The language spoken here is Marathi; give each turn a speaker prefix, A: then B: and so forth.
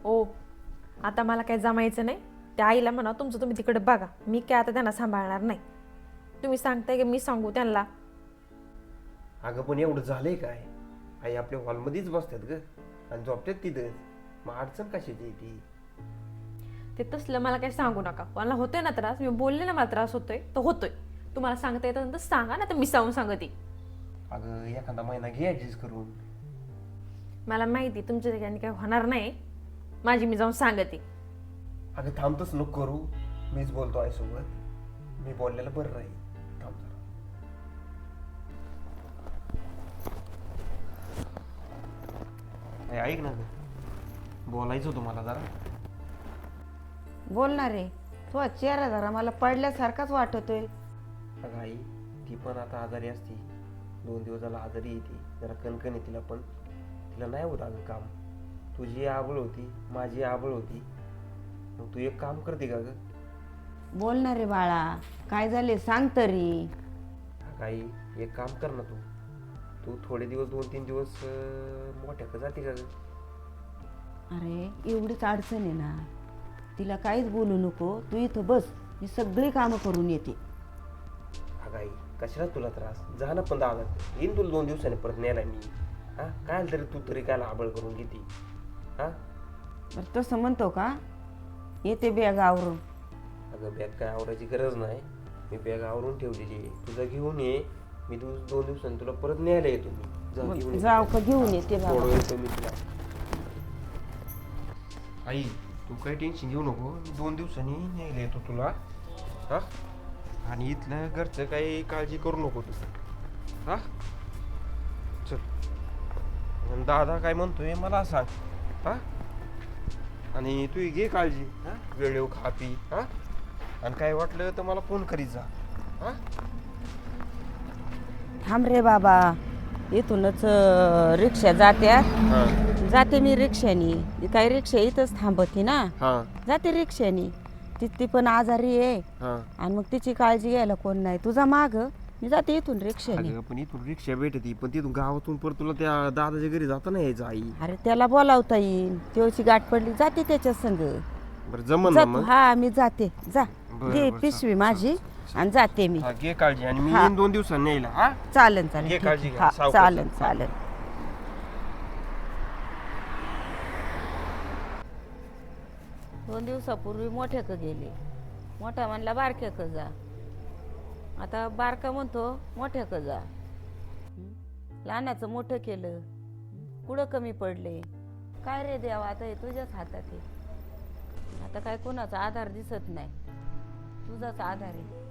A: ओ आता मला काही जमायचं नाही. त्या आईला म्हणा तुमचं तुम्ही तिकडे बघा, मी काय आता त्यांना सांभाळणार नाही. तुम्ही सांगताय की मी सांगू त्यांना?
B: अगं पण एवढं झालंय काय? आई आपल्या हॉलमध्येच बसतात ग आणि झोपतात तिथं. मग अडचण कशाची आहे ती?
A: ते तसलं मला काही सांगू नका. मला होतोय ना त्रास, मी बोलले ना मला त्रास होतोय तर होतोय. तुम्हाला सांगता येतं तर सांगा ना, तर मी सांगून सांगते.
B: अगं एखादा महिना घे ऍडजस्ट करून.
A: मला माहिती तुमच्या ठिकाणी काही होणार नाही. माझी मी जाऊन सांगते.
B: अगं थांबतच नको करू, मीच बोलतो आईसोबत. मी बोललेलं बरं राहील. थांब जरा. ऐक ना गं, बोलायचं होतं मला जरा.
C: बोलणार रे. तो चेहरा जरा मला पडल्यासारखाच वाटतोय.
B: अगं आई, ती पण आता आजारी असती. 2 दिवस झाला आजारी येते. जरा कणकण आहे तिला, पण तिला नाही होत अगं काम. तुझी आबळ होती, माझी आबळ होती. मग तू एक काम करते का ग?
C: बोलणार रे बाळा, काय झाले सांग तरी.
B: अगं आई, एक काम कर ना तू. तू थोडे दिवस 2-3 दिवस मोठ्याकडे जाते का ग?
C: अरे एवढीच अडचण आहे ना, तिला काहीच बोलू नको. तू इथं बस, मी सगळी कामं करून येते.
B: अगं आई, कशाला तुला त्रास? जा ना, पण दादा येईन तुला 2 दिवसांनी परत न्यायला मी. हा काय तरी तू तरी काय आबळ करून घेते? हा
C: बरं तसं म्हणतो का? येते बॅग आवरून.
B: अगं बॅग काय आवरायची गरज नाही. मी बॅग आवरून ठेवलेली आहे. तुझं घेऊन ये. मी 2 दिवसांनी तुला परत न्यायला येतो मी. जा घेऊन ये.
C: जाऊ का घेऊन येते
B: थोडं
C: बाबा.
B: येतो मी तुला. आई तू काही टेन्शन घेऊ नको. मी 2 दिवसांनी न्यायला येतो तुला. हा आणि इथलं घरचं काही काळजी करू नको तू. हा चल. आणि दादा काय म्हणतोय मला सांग. हा आणि तू घे काळजी. हा वेळेव खा पी. हा आणि काय वाटलं तर मला फोन करीत जा. हा
C: थांब रे बाबा, इथूनच रिक्षा जात्या.
B: हा
C: जाते मी रिक्षानी. काही रिक्षा इथंच थांबती ना,
B: हा
C: जाते रिक्षानी. ती पण आजारी आहे
B: हा
C: आणि मग तिची काळजी घ्यायला कोण नाही. तुझा माग मी जाते इथून रिक्षाने.
B: अगं पण इथून रिक्षा भेटती, पण तिथून गावातून परत तुला त्या दादाच्या घरी जाता नाही यायचं आई.
C: अरे त्याला बोलावता येईल. तेवढी गाठ पडली जाते त्याच्या संग.
B: बरं जमन
C: जा
B: ना
C: तू.
B: मग.
C: हा मी जाते. जा
B: बरं,
C: घे
B: बरं,
C: पिशवी
B: चालेल,
C: माझी आणि जाते मी.
B: हा, घे काळजी आणि मी
C: हा.
B: येईन 2 दिवसांनी यायला. हा
C: चालेल
B: घे
C: चालेल ठीक
B: काळजी
C: आहे.
B: घ्या.
C: हा
B: सावकाश
C: चालेल
B: जा.
C: चालेल. 2 दिवसापूर्वी मोठ्याक गेले. मोठा म्हणला बारक्याक जा. आता बारका म्हणतो मोठ्याक जा. लहानाचं मोठं केलं. कुठं कमी पडले? काय रे देवा, आता हे तुझ्याच हातात आहे. आता काय कोणाचा आधार दिसत नाही. तुझाच आधार आहे.